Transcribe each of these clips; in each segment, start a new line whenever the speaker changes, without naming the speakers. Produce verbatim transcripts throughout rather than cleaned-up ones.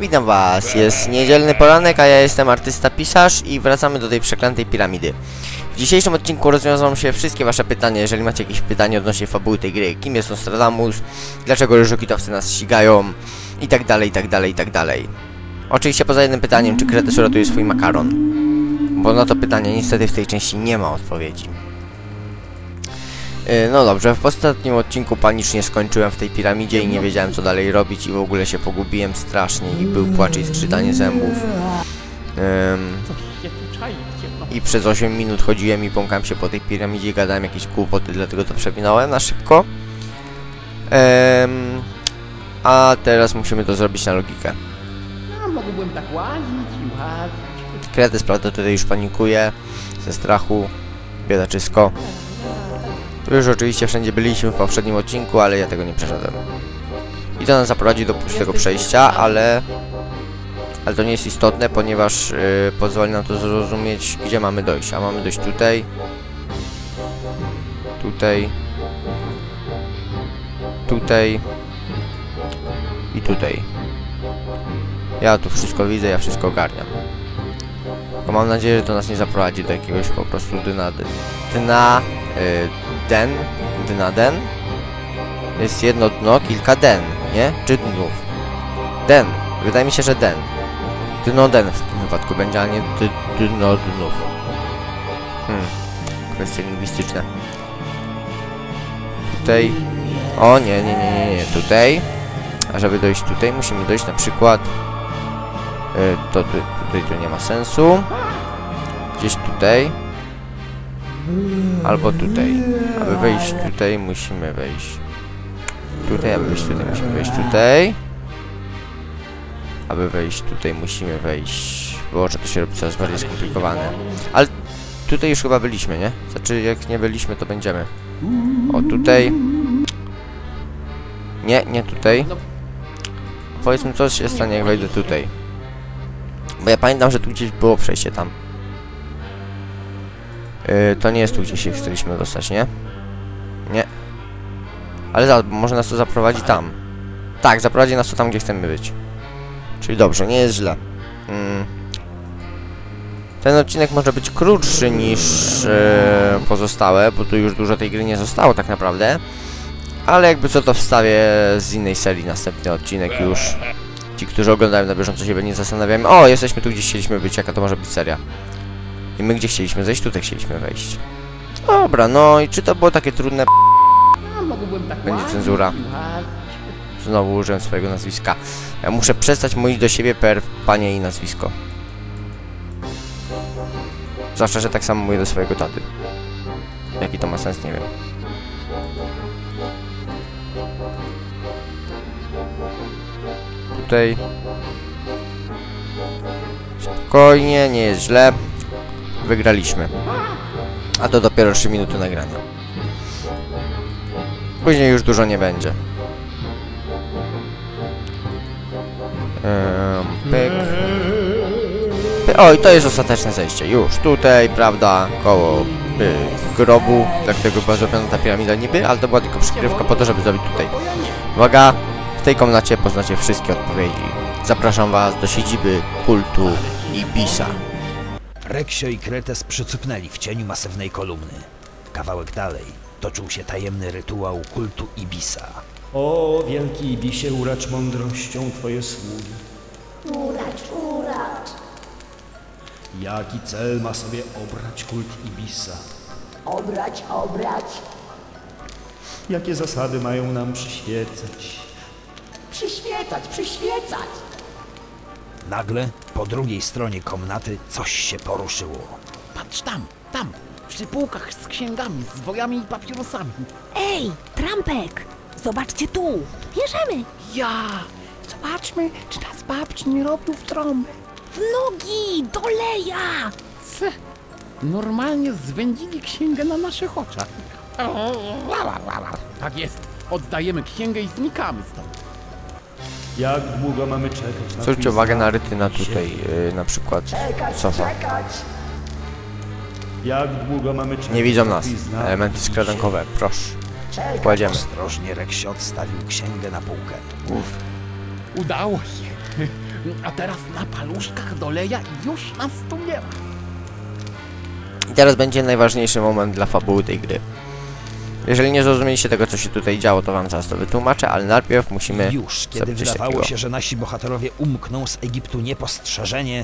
Witam was, jest niedzielny poranek, a ja jestem artysta pisarz i wracamy do tej przeklętej piramidy. W dzisiejszym odcinku rozwiążą się wszystkie wasze pytania, jeżeli macie jakieś pytanie odnośnie fabuły tej gry. Kim jest Nostradamus, dlaczego ryżokitowcy nas ścigają i tak dalej, i tak dalej, i tak dalej. Oczywiście poza jednym pytaniem, czy Kretes uratuje swój makaron, bo na to pytanie niestety w tej części nie ma odpowiedzi. No dobrze, w ostatnim odcinku panicznie skończyłem w tej piramidzie i nie wiedziałem co dalej robić i w ogóle się pogubiłem strasznie i był płacz i skrzytanie zębów. Um, I przez osiem minut chodziłem i błąkałem się po tej piramidzie i gadałem jakieś głupoty, dlatego to przewinąłem na szybko. Um, a teraz musimy to zrobić na logikę.
No, mógłbym tak łazić i łazić.
Kretes, prawda, tutaj już panikuje ze strachu, biedaczysko. Już oczywiście wszędzie byliśmy w poprzednim odcinku, ale ja tego nie przeszedłem. I to nas zaprowadzi do pustego przejścia, ale... Ale to nie jest istotne, ponieważ yy, pozwoli nam to zrozumieć, gdzie mamy dojść. A mamy dojść tutaj. Tutaj. Tutaj. I tutaj. Ja tu wszystko widzę, ja wszystko ogarniam. Tylko mam nadzieję, że to nas nie zaprowadzi do jakiegoś po prostu dna... dna... Yy, den, dna den. Jest jedno dno, kilka den, nie? Czy dnów? Den. Wydaje mi się, że den. Dno den w tym wypadku będzie, a nie dno dnów. Hmm. Kwestie lingwistyczne. Tutaj. O nie, nie, nie, nie, nie. Tutaj. A żeby dojść tutaj, musimy dojść na przykład... Yy, to tu, tutaj tu nie ma sensu. Gdzieś tutaj. Albo tutaj. Aby wejść tutaj, musimy wejść tutaj, aby wejść tutaj, musimy wejść tutaj. Aby wejść tutaj, musimy wejść... Boże, to się robi coraz bardziej skomplikowane. Ale tutaj już chyba byliśmy, nie? Znaczy, jak nie byliśmy, to będziemy. O, tutaj. Nie, nie tutaj. Powiedzmy, co się stanie, jak wejdę tutaj. Bo ja pamiętam, że tu gdzieś było przejście tam. Yy, to nie jest tu, gdzie się chcieliśmy dostać, nie? Nie. Ale za, może nas to zaprowadzi tam. Tak, zaprowadzi nas to tam, gdzie chcemy być. Czyli dobrze, nie jest źle. Mm. Ten odcinek może być krótszy niż yy, pozostałe, bo tu już dużo tej gry nie zostało tak naprawdę. Ale jakby co, to wstawię z innej serii następny odcinek już. Ci, którzy oglądają na bieżąco, się nie zastanawiają. O, jesteśmy tu, gdzie chcieliśmy być, jaka to może być seria. I my gdzie chcieliśmy zejść? Tutaj chcieliśmy wejść. Dobra, no i czy to było takie trudne? Będzie cenzura. Znowu użyłem swojego nazwiska. Ja muszę przestać mówić do siebie per panie i nazwisko. Zwłaszcza, że tak samo mówię do swojego taty. Jaki to ma sens, nie wiem. Tutaj. Spokojnie, nie jest źle. Wygraliśmy. A to dopiero trzy minuty nagrania. Później już dużo nie będzie. Um, pyk. Pyk. Oj, to jest ostateczne zejście. Już tutaj, prawda, koło y, grobu. Dlatego była zrobiona ta piramida niby, ale to była tylko przykrywka po to, żeby zrobić tutaj. Uwaga, w tej komnacie poznacie wszystkie odpowiedzi. Zapraszam was do siedziby kultu Ibisa.
Reksio i Kretes przycupnęli w cieniu masywnej kolumny. Kawałek dalej toczył się tajemny rytuał kultu Ibisa.
O, wielki Ibisie, uracz mądrością twoje sługi.
Uracz, uracz.
Jaki cel ma sobie obrać kult Ibisa?
Obrać, obrać.
Jakie zasady mają nam przyświecać?
Przyświecać, przyświecać.
Nagle po drugiej stronie komnaty coś się poruszyło.
Patrz tam, tam, przy półkach z księgami, z wojami i papierosami.
Ej, trampek! Zobaczcie tu! Bierzemy!
Ja! Zobaczmy, czy nas babci nie robił w trąbę.
W nogi! Doleja!
C. Normalnie zwędzili księgę na naszych oczach. Tak jest, oddajemy księgę i znikamy stąd.
Jak długo mamy czekać na
Zwróćcie uwagę na rytyna tutaj, yy, na przykład sofa.
Jak długo mamy czekać?
Nie widzą nas. Elementy skradankowe, proszę. Kładziemy.
Ostrożnie Reksio odstawił księgę na półkę.
Uff.
Udało się. A teraz na paluszkach doleja i już nas tu nie ma.
I teraz będzie najważniejszy moment dla fabuły tej gry. Jeżeli nie zrozumieliście tego, co się tutaj działo, to wam zaraz to wytłumaczę, ale najpierw musimy
Już, kiedy
zrobić coś
wydawało
takiego.
się, że nasi bohaterowie umkną z Egiptu niepostrzeżenie,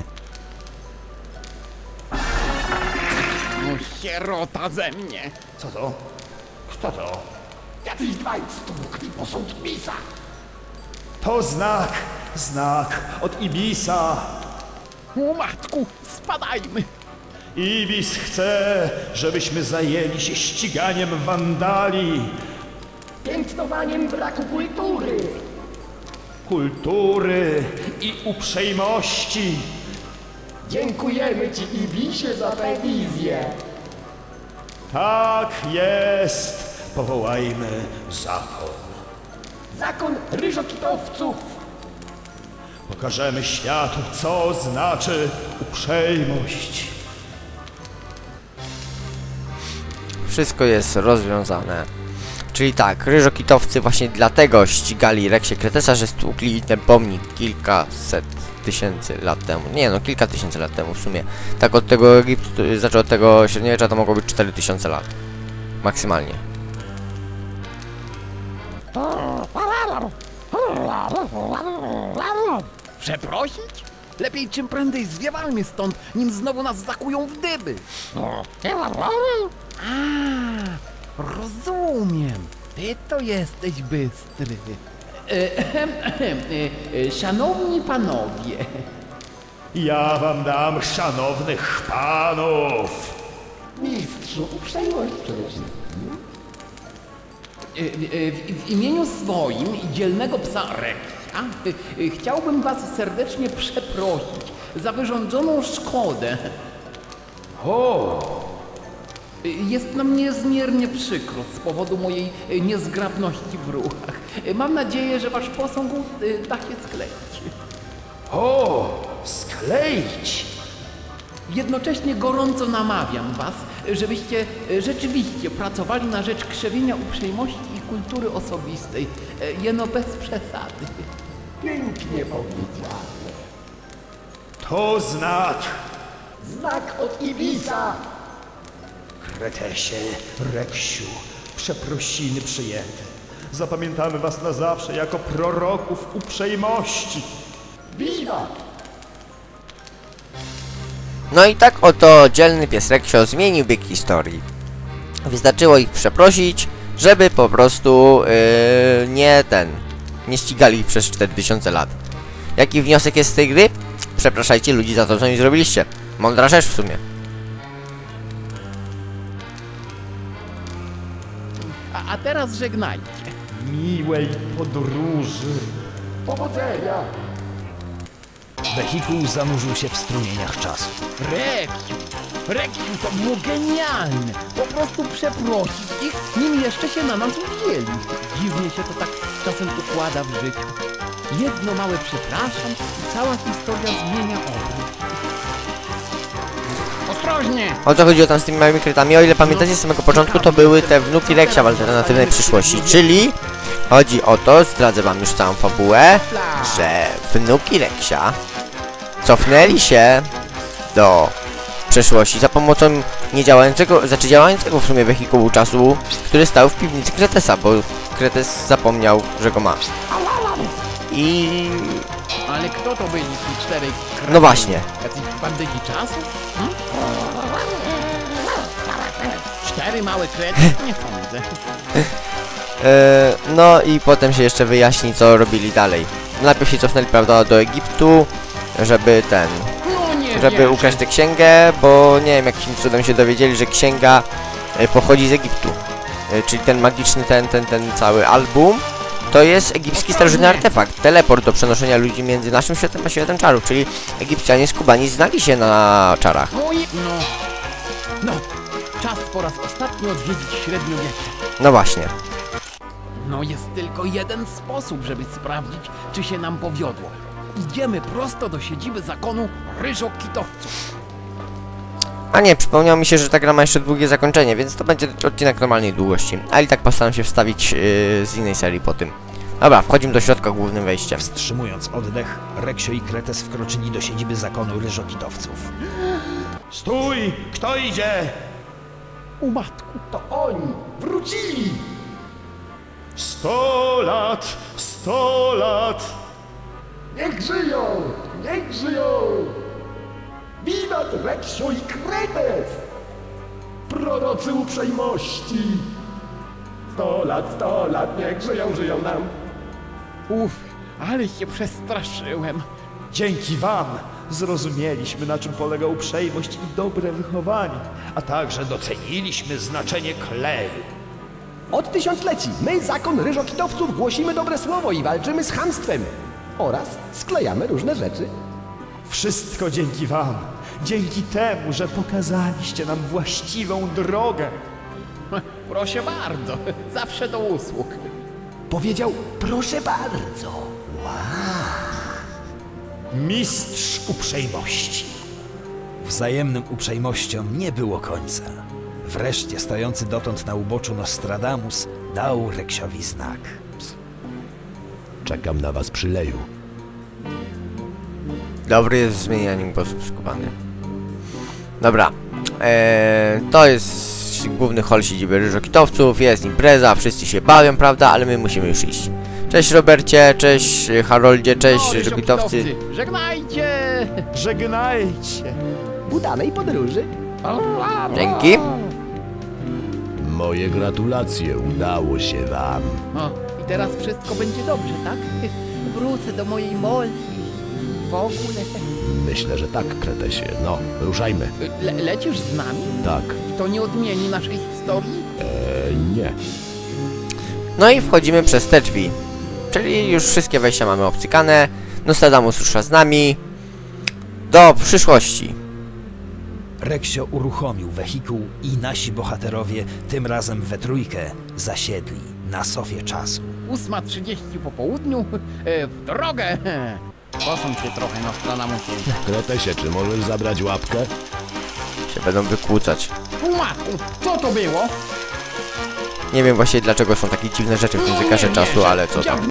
No sierota ze mnie.
Co to? Kto to?
Jacyś dwaj stłukli posąg Ibisa.
To znak, znak od Ibisa.
O matku, spadajmy.
Ibis chce, żebyśmy zajęli się ściganiem wandali,
Piętnowaniem braku kultury.
kultury i uprzejmości.
Dziękujemy ci, Ibisie, za tę wizję.
Tak jest. Powołajmy zakon.
Zakon ryżokitowców.
Pokażemy światu, co znaczy uprzejmość.
Wszystko jest rozwiązane. Czyli tak, ryżokitowcy właśnie dlatego ścigali Reksie Kretesa, że stłukli ten pomnik kilkaset tysięcy lat temu. Nie no, kilka tysięcy lat temu w sumie. Tak od tego Egiptu, znaczy od tego średniowiecza to mogło być cztery tysiące lat. Maksymalnie.
Przeprosić? Lepiej czym prędzej zwiewajmy stąd, nim znowu nas zakują w dyby. A, rozumiem. Ty to jesteś bystry. Ehem, ehem, e, e, Szanowni panowie,
Ja wam dam szanownych panów.
Mistrzu, uprzejmość przede wszystkim.
e, e, w, w imieniu swoim i dzielnego psa Reksia e, e, chciałbym was serdecznie przeprosić za wyrządzoną szkodę. O! Jest nam niezmiernie przykro z powodu mojej e, niezgrabności w ruchach. E, Mam nadzieję, że wasz posąg e, da się skleić.
O, skleić.
Jednocześnie gorąco namawiam was, żebyście e, rzeczywiście pracowali na rzecz krzewienia uprzejmości i kultury osobistej, e, jeno bez przesady.
Pięknie powiedziane.
To znak.
Znak od Ibisa.
Kretesie, Reksiu, przeprosiny przyjęte. Zapamiętamy was na zawsze jako proroków uprzejmości.
Wiwat.
No i tak oto dzielny pies Reksio zmienił bieg historii. Wystarczyło ich przeprosić, żeby po prostu yy, nie ten, nie ścigali ich przez cztery tysiące lat. Jaki wniosek jest z tej gry? Przepraszajcie ludzi za to, co mi zrobiliście. Mądra rzecz w sumie.
A, a teraz żegnajcie.
Miłej podróży.
Powodzenia.
wehikuł zanurzył się w strumieniach czasu.
Reksiu, Reksiu, to było genialne. Po prostu przeprosić ich, nim jeszcze się na nas uwzięli. Dziwnie się to tak czasem układa w życiu. Jedno małe przepraszam i cała historia zmienia obrót. Ostrożnie!
O co chodziło tam z tymi małymi krytami? O ile pamiętacie z samego początku, to były te wnuki Reksia w alternatywnej przyszłości. Czyli chodzi o to, zdradzę wam już całą fabułę, że wnuki Reksia cofnęli się do przeszłości za pomocą niedziałającego, znaczy działającego w sumie wehikułu czasu, który stał w piwnicy Kretesa, bo Kretes zapomniał, że go ma. I...
Ale kto to byli ci czterej krainy?
no właśnie.
Jacyś bandyci czasu? Hmm? Cztery małe krety? Nie sądzę.
E, no i potem się jeszcze wyjaśni, co robili dalej. Najpierw się cofnęli, prawda, do Egiptu, żeby ten...
No nie
żeby
wierzę.
ukraść tę księgę, bo nie wiem, jakim cudem się dowiedzieli, że księga e, pochodzi z Egiptu. E, czyli ten magiczny, ten, ten, ten cały album, to jest egipski starożytny artefakt. Teleport do przenoszenia ludzi między naszym światem a światem czarów, czyli Egipcjanie z Kubani znali się na czarach.
No i... No... No... Czas po raz ostatni odwiedzić średniowiecze.
No właśnie.
No jest tylko jeden sposób, żeby sprawdzić, czy się nam powiodło. Idziemy prosto do siedziby zakonu ryżokitowców.
A nie, przypomniało mi się, że ta gra ma jeszcze długie zakończenie, więc to będzie odcinek normalnej długości. Ale i tak postaram się wstawić yy, z innej serii po tym. Dobra, wchodzimy do środka głównym wejściem.
Wstrzymując oddech, Reksio i Kretes wkroczyli do siedziby zakonu ryżokitowców.
Stój! Kto idzie?
U matku.
To oni wrócili!
Sto lat! Sto lat!
Niech żyją! Niech żyją! Wiwat Reksio i Kretes! Prorocy uprzejmości! Sto lat, sto lat, niech żyją, żyją nam!
Uf, ale się przestraszyłem.
Dzięki wam zrozumieliśmy, na czym polega uprzejmość i dobre wychowanie, a także doceniliśmy znaczenie kleju.
Od tysiącleci my, zakon ryżokitowców, głosimy dobre słowo i walczymy z chamstwem. Oraz sklejamy różne rzeczy.
Wszystko dzięki wam, dzięki temu, że pokazaliście nam właściwą drogę.
Proszę bardzo, zawsze do usług.
Powiedział, proszę bardzo.
Mistrz uprzejmości.
Wzajemnym uprzejmościom nie było końca. Wreszcie stojący dotąd na uboczu Nostradamus dał Reksiowi znak.
Czekam na was przy leju.
Dobry jest w zmienianiu głosów skubany. Dobra. Eee, to jest główny hol siedziby ryżokitowców. Jest impreza, wszyscy się bawią, prawda? Ale my musimy już iść. Cześć Robercie, cześć Haroldzie, cześć
No,
ryżokitowcy.
ryżokitowcy, żegnajcie!
Żegnajcie.
Udanej podróży.
Dzięki.
Moje gratulacje, udało się wam.
O, i teraz wszystko będzie dobrze, tak? Wrócę do mojej Molly. W ogóle.
Myślę, że tak, Kretesie. No, ruszajmy.
Le lecisz z nami?
Tak.
To nie odmieni naszej historii?
E, nie.
No i wchodzimy przez te drzwi. Czyli już wszystkie wejścia mamy obcykane. Nostradamus rusza z nami. Do przyszłości.
Reksio uruchomił wehikuł i nasi bohaterowie, tym razem we trójkę, zasiedli na sofie czasu.
ósma trzydzieści po południu. E, w drogę! Posądź się trochę, Nostradamusie.
Kretesie, czy możesz zabrać łapkę?
Się będą wykłócać.
Matku, co to było?
Nie wiem właśnie dlaczego są takie dziwne rzeczy w tym zegarze czasu, ale co tam.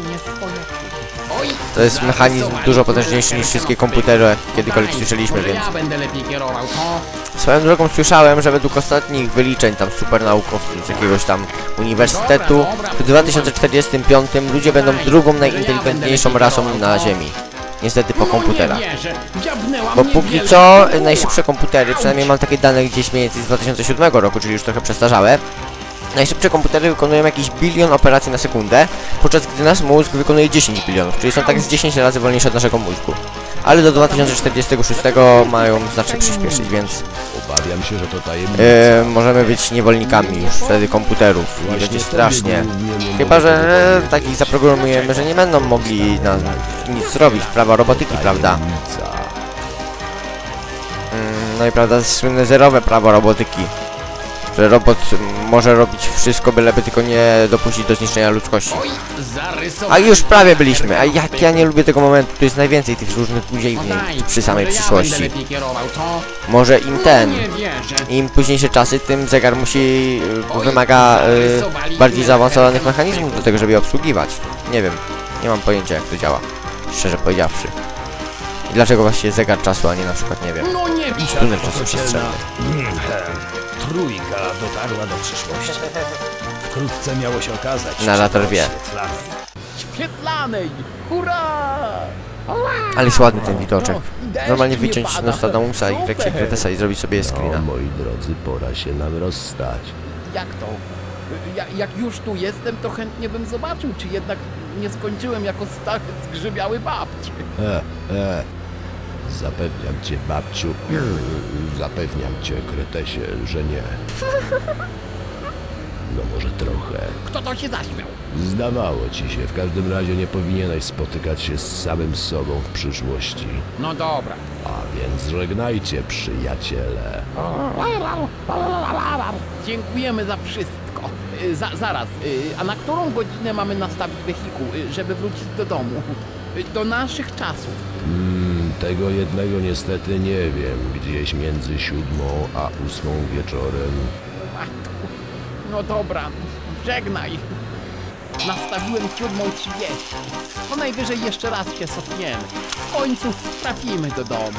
To jest mechanizm dużo potężniejszy niż wszystkie komputery, kiedykolwiek słyszeliśmy, więc...
Ja będę lepiej kierował, to...
Swoją drogą słyszałem, że według ostatnich wyliczeń tam super naukowców z jakiegoś tam uniwersytetu w dwa tysiące czterdziestym piątym ludzie będą drugą najinteligentniejszą rasą na Ziemi. Niestety po komputerach. Bo póki co najszybsze komputery, przynajmniej mam takie dane gdzieś mniej więcej z dwa tysiące siódmego roku, czyli już trochę przestarzałe. Najszybsze komputery wykonują jakiś bilion operacji na sekundę, podczas gdy nasz mózg wykonuje dziesięć bilionów, czyli są tak z dziesięć razy wolniejsze od naszego mózgu. Ale do dwa tysiące czterdziestego szóstego mają znacznie przyspieszyć, więc
Obawiam się, że to tajemnica.
yy, możemy być niewolnikami już wtedy komputerów i będzie strasznie. Chyba że e, takich zaprogramujemy, że nie będą mogli na nic zrobić, prawa robotyki, prawda? Yy, no i prawda, słynne zerowe prawo robotyki. Że robot może robić wszystko, byleby tylko nie dopuścić do zniszczenia ludzkości. A już prawie byliśmy, a jak ja nie lubię tego momentu, tu jest najwięcej tych różnych udziałnień przy samej przyszłości. Może im ten, im późniejsze czasy, tym zegar musi, wymaga y, bardziej zaawansowanych mechanizmów do tego, żeby je obsługiwać. Nie wiem, nie mam pojęcia jak to działa, szczerze powiedziawszy. I dlaczego właściwie zegar czasu, a nie na przykład, nie wiem, tunel czasu przestrzenny.
Trójka dotarła do przyszłości. Wkrótce miało się okazać,
Narrator wie.
Świetlanej! Hurra!
Ale jest ładny ten widoczek.
No, i deszcz
Normalnie
nie
wyciąć
pada.
Nostradamusa i
Super.
Reksia Kretesa i zrobić sobie
No,
screena.
moi drodzy, pora się nam rozstać.
Jak to? Ja, jak już tu jestem, to chętnie bym zobaczył, czy jednak nie skończyłem jako stary zgrzybiały babci.
E, e. Zapewniam cię, babciu, zapewniam cię, Kretesie, że nie. No może trochę.
Kto to się zaśmiał?
Zdawało ci się, w każdym razie nie powinieneś spotykać się z samym sobą w przyszłości.
No dobra.
A więc żegnajcie, przyjaciele.
Dziękujemy za wszystko. Y, Za, zaraz, y, a na którą godzinę mamy nastawić wehikuł, y, żeby wrócić do domu? Y, Do naszych czasów.
Hmm, tego jednego niestety nie wiem. Gdzieś między siódmą a ósmą wieczorem.
Matku. No dobra, żegnaj. nastawiłem siódmą trzydzieści. No najwyżej jeszcze raz się cofniemy. W końcu trafimy do domu.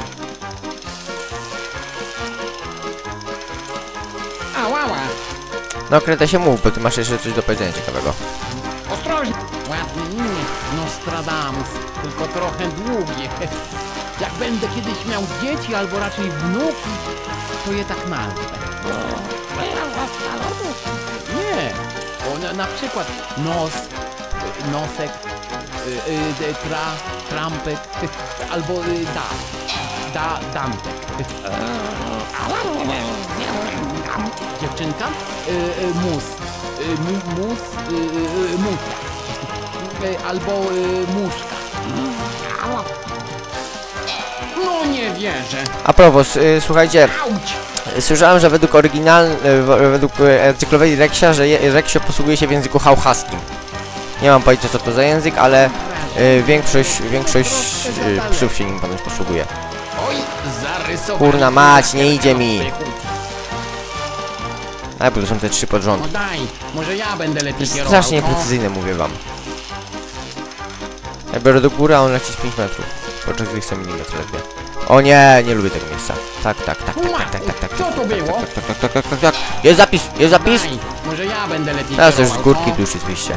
Ała, ała.
No Kretesie mów, bo ty masz jeszcze coś do powiedzenia ciekawego.
Ostrożnie! Ładne imię, Nostradamus, tylko trochę długie. Jak będę kiedyś miał dzieci, albo raczej wnuki, to je tak nazwę. Nie, o, na, na przykład nos, y, nosek, y, y, tra, trampek, albo y, da, da, dantek. Dziewczynka? Y, y, mus. Y, mu, mus, y, y, muta. Y, albo y, muszka. No nie wierzę.
A propos, y, słuchajcie,
Auć!
słyszałem, że według oryginal, y, według y, encyklopedia Reksia, że je, Reksio posługuje się w języku hałhaskim. Nie mam pojęcia co to za język, ale y, większość, większość y, psów się nim ponoć posługuje.
Oj, zarysowałem.
Kurna mać, nie idzie mi. Ale bo to są te trzy pod rząd.
No daj, może ja będę lepiej kierował.
Strasznie
no.
precyzyjne, mówię wam. Ja biorę do góry, a on leci z pięć metrów. Podczas gdy chce milimetr ledwie. O nie, nie lubię tego miejsca. Tak, tak, tak, tak, tak, tak, tak, tak.
Co to było?
Tak, tak, tak, tak, tak, tak. Jest zapis, jest zapis!
Daj, może ja będę lepiej
Teraz też z
kierował,
górki
no.
duszy zbliżcie.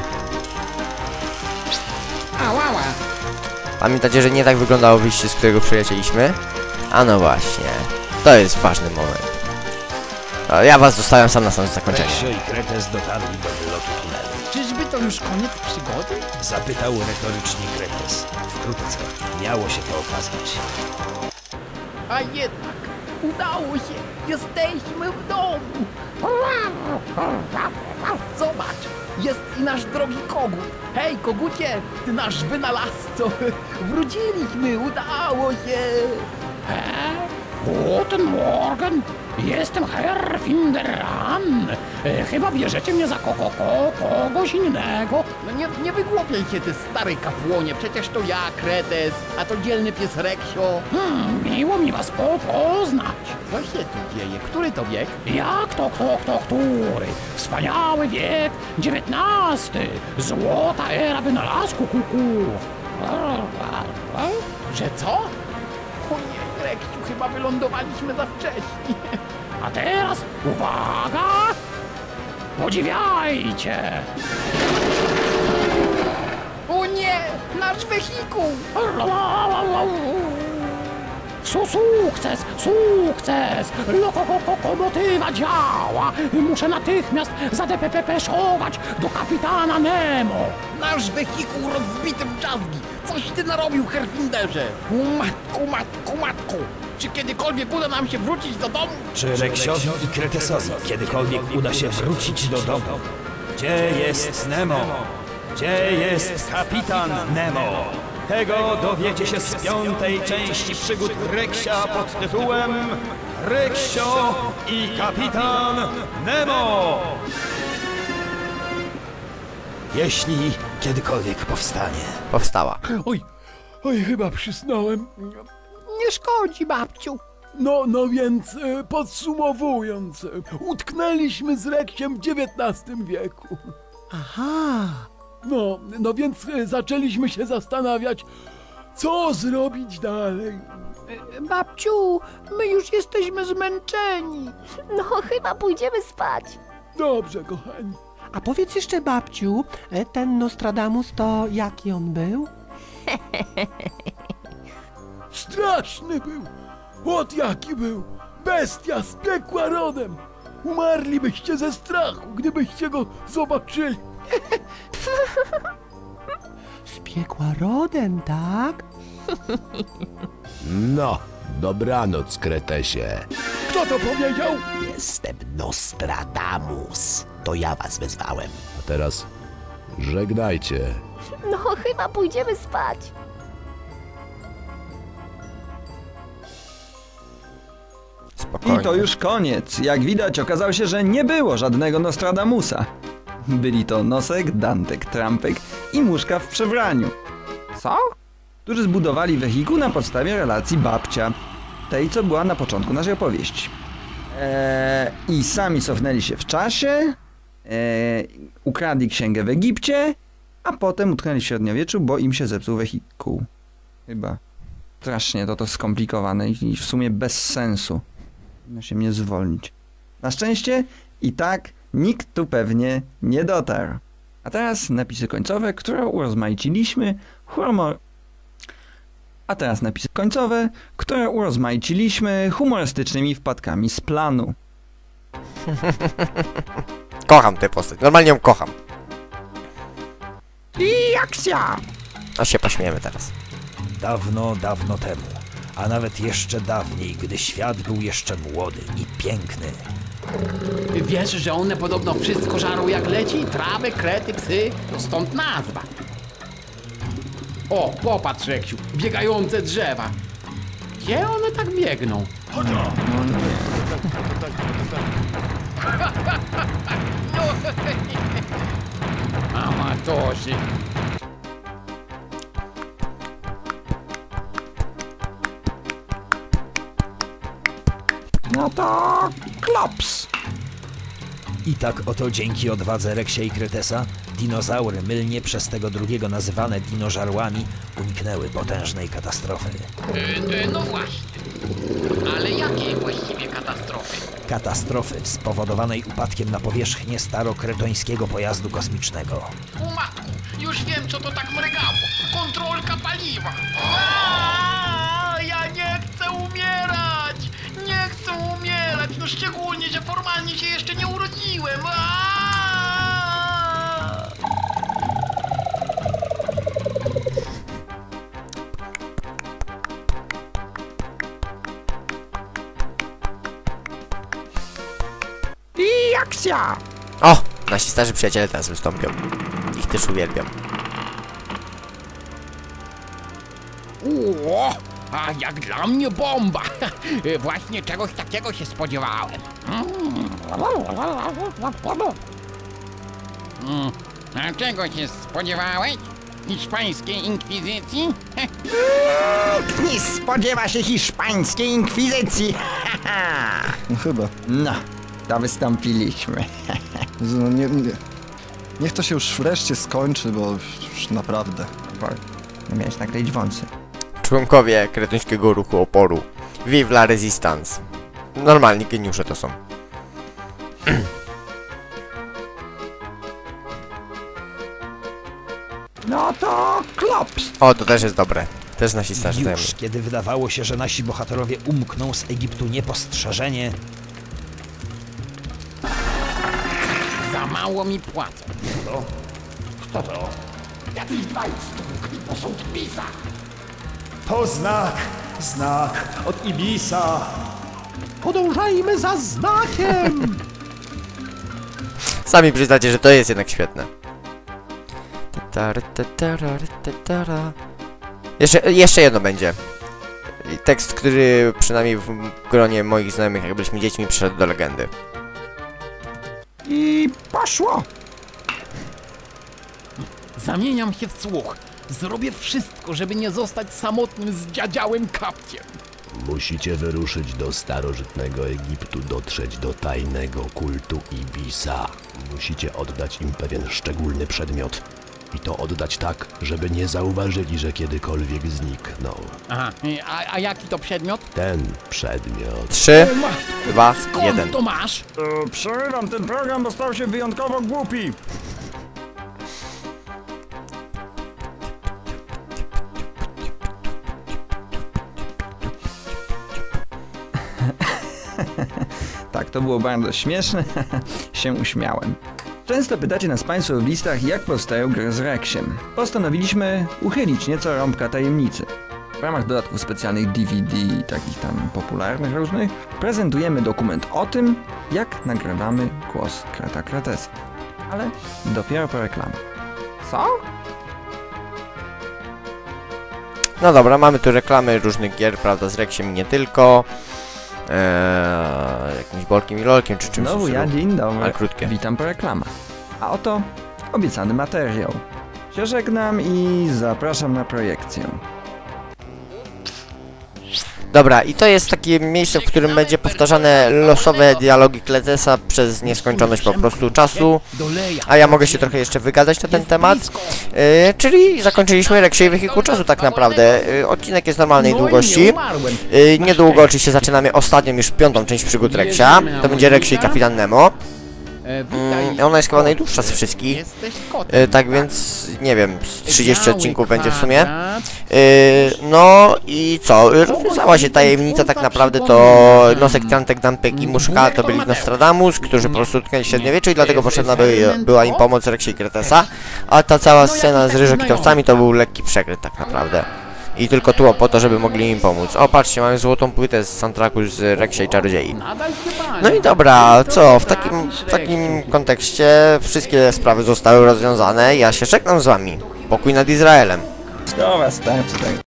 Ała, ała.
Pamiętacie, że nie tak wyglądało wyjście, z którego przylecieliśmy? A no właśnie. To jest ważny moment. A ja was zostawiam sam na sam zakończenie.
Reksio i Kretes dotarli do wylotu tunelu.
Czyżby to już koniec przygody?
Zapytał retorycznie Kretes. Wkrótce miało się to okazać.
A jednak udało się! Jesteśmy w domu! Zobacz! Jest i nasz drogi kogut! Hej, kogucie! Ty nasz wynalazco! Wróciliśmy! Udało się!
Guten Morgen, jestem Herr Finderan. E, chyba bierzecie mnie za ko ko ko kogoś innego.
No nie, nie wygłupiaj się, ty stary kapłonie! Przecież to ja, Kretes, a to dzielny pies Reksio!
Hmm, miło mi was po poznać.
Co się tu dzieje? Który to wiek?
Jak to, kto, kto, który? Wspaniały wiek dziewiętnasty. Złota era wynalazku kuków.
Że co? O nie, Reksiu, chyba wylądowaliśmy za wcześnie.
A teraz uwaga! Podziwiajcie!
O nie, nasz wehikuł!
Su sukces, sukces! Lokomotywa działa! Muszę natychmiast zadepepeszować do kapitana Nemo!
Nasz wehikuł rozbity w drzazgi! Coś ty narobił, Herfinderze! Matku, matku, matku! Czy kiedykolwiek uda nam się wrócić do domu?
Czy Reksiowi i Kretesowi kiedykolwiek uda się wrócić do domu? Gdzie jest Nemo? Gdzie jest kapitan Nemo? Tego dowiecie się z piątej części przygód Reksia pod tytułem Reksio i kapitan Nemo! Jeśli kiedykolwiek powstanie.
Powstała.
Oj, oj, chyba przysnąłem.
Nie szkodzi, babciu.
No, no więc e, podsumowując, e, utknęliśmy z Reksiem w dziewiętnastym wieku.
Aha.
No, no więc e, zaczęliśmy się zastanawiać, co zrobić dalej.
Babciu, my już jesteśmy zmęczeni. No, chyba pójdziemy spać.
Dobrze, kochani.
A powiedz jeszcze, babciu, e, ten Nostradamus to jaki on był?
Straszny był. Ot jaki był. Bestia z piekła rodem. Umarlibyście ze strachu, gdybyście go zobaczyli.
Z piekła rodem, tak?
No, dobranoc, Kretesie.
Kto to powiedział?
Jestem Nostradamus. To ja was wezwałem.
A teraz żegnajcie.
No, chyba pójdziemy spać.
Spokojnie.
I to już koniec. Jak widać, okazało się, że nie było żadnego Nostradamusa. Byli to Nosek, Dantek, Trampek i Muszka w przebraniu. Co? Którzy zbudowali wehikuł na podstawie relacji babcia. Tej, co była na początku naszej opowieści. Eee, I sami cofnęli się w czasie. Eee, ukradli księgę w Egipcie. a potem utknęli w średniowieczu, bo im się zepsuł wehikuł. Chyba. Strasznie to to skomplikowane i w sumie bez sensu. Powinno się mnie zwolnić. Na szczęście i tak nikt tu pewnie nie dotarł. A teraz napisy końcowe, które urozmaiciliśmy humor... A teraz napisy końcowe, które urozmaiciliśmy humorystycznymi wpadkami z planu.
Kocham tę postać, normalnie ją kocham.
I akcja!
A się pośmiejemy teraz.
Dawno, dawno temu, a nawet jeszcze dawniej, gdy świat był jeszcze młody i piękny.
Wiesz, że one podobno wszystko żarą jak leci? Trawy, krety, psy, to stąd nazwa. O, popatrz, Reksiu, biegające drzewa. Gdzie one tak biegną? Amatorzy.
No to klops.
I tak oto dzięki odwadze Reksia i Kretesa dinozaury, mylnie przez tego drugiego nazywane dinożarłami, uniknęły potężnej katastrofy.
Yy, no właśnie. Ale jakiej właściwie katastrofy?
Katastrofy spowodowanej upadkiem na powierzchnię starokretońskiego pojazdu kosmicznego.
U matku, już wiem, co to tak mrygało. Kontrolka paliwa. Aaaa, ja nie chcę umierać! Nie chcę umierać! No szczególnie, że formalnie się jeszcze nie urodziłem. Aaaa!
I akcja!
O! Nasi starzy przyjaciele teraz wystąpią. Ich też uwielbiam.
O, a jak dla mnie bomba! Właśnie czegoś takiego się spodziewałem. Mm. A czego się spodziewałeś? Hiszpańskiej inkwizycji?
Nie spodziewa się hiszpańskiej inkwizycji.
No chyba.
No, to wystąpiliśmy.
No, nie, nie. Niech to się już wreszcie skończy, bo już naprawdę.
Nie miałeś nakleić wąsy.
Członkowie kretońskiego ruchu oporu. Vive la Resistance. Normalni geniusze to są.
No to klops.
O, to też jest dobre. Też nasi starzy znają.
Już kiedy wydawało się, że nasi bohaterowie umkną z Egiptu niepostrzeżenie,
Za mało mi płacą.
to
Kto to? Jacyś dwaj stłukli posąg Ibisa.
To znak, znak od Ibisa.
Podążajmy za znakiem!
Sami przyznacie, że to jest jednak świetne. Jeszcze, jeszcze jedno będzie. Tekst, który przynajmniej w gronie moich znajomych, jak byliśmy dziećmi, przyszedł do legendy.
I poszło.
Zamieniam się w słuch. Zrobię wszystko, żeby nie zostać samotnym z dziadziałym kapciem.
Musicie wyruszyć do starożytnego Egiptu, dotrzeć do tajnego kultu Ibisa. Musicie oddać im pewien szczególny przedmiot. I to oddać tak, żeby nie zauważyli, że kiedykolwiek zniknął.
Aha, a, a jaki to przedmiot?
Ten przedmiot.
Trzy,
O matko,
dwa,
skąd
jeden.
to masz?
E, przerywam ten program, bo stał się wyjątkowo głupi. Tak, to było bardzo śmieszne. się uśmiałem. Często pytacie nas Państwo w listach, jak powstają gry z Reksiem. Postanowiliśmy uchylić nieco rąbka tajemnicy. W ramach dodatków specjalnych D V D i takich tam popularnych różnych, prezentujemy dokument o tym, jak nagrywamy głos Kreta Kretesa. Ale dopiero po reklamie. Co?
No dobra, mamy tu reklamy różnych gier, prawda, z Reksiem i nie tylko. Eee, jakimś Bolkiem i Lolkiem, czy czymś.
Znowu ja, dzień dobry.
Ale krótkie.
Witam po reklamach. A oto obiecany materiał. Się żegnam i zapraszam na projekcję.
Dobra, i to jest takie miejsce, w którym będzie powtarzane losowe dialogi Kletesa przez nieskończoność po prostu czasu, a ja mogę się trochę jeszcze wygadać na ten temat. Yy, czyli zakończyliśmy Reksie Wehikuł Czasu tak naprawdę. Yy, odcinek jest normalnej długości. Yy, niedługo oczywiście zaczynamy ostatnią, już piątą część przygód Reksia. To będzie Reksio i Kapitan Nemo. Mm, ona jest chyba najdłuższa z wszystkich, yy, tak więc nie wiem, z trzydzieści odcinków będzie w sumie. Yy, no i co, rozwiązała się tajemnica tak naprawdę, to Nosek, Trantek, Dampek i Muszka to byli Nostradamus, którzy po prostu utknęli w średniowieczu i dlatego potrzebna by, była im pomoc Reksia i Kretesa, a ta cała scena z ryżokitowcami to był lekki przekręt tak naprawdę. I tylko tło po to, żeby mogli im pomóc. O, patrzcie, mamy złotą płytę z soundtracku z Reksia i Czarodziei. No i dobra, co, w takim, w takim kontekście wszystkie sprawy zostały rozwiązane. Ja się żegnam z wami. Pokój nad Izraelem.
Dobra, starczy tak.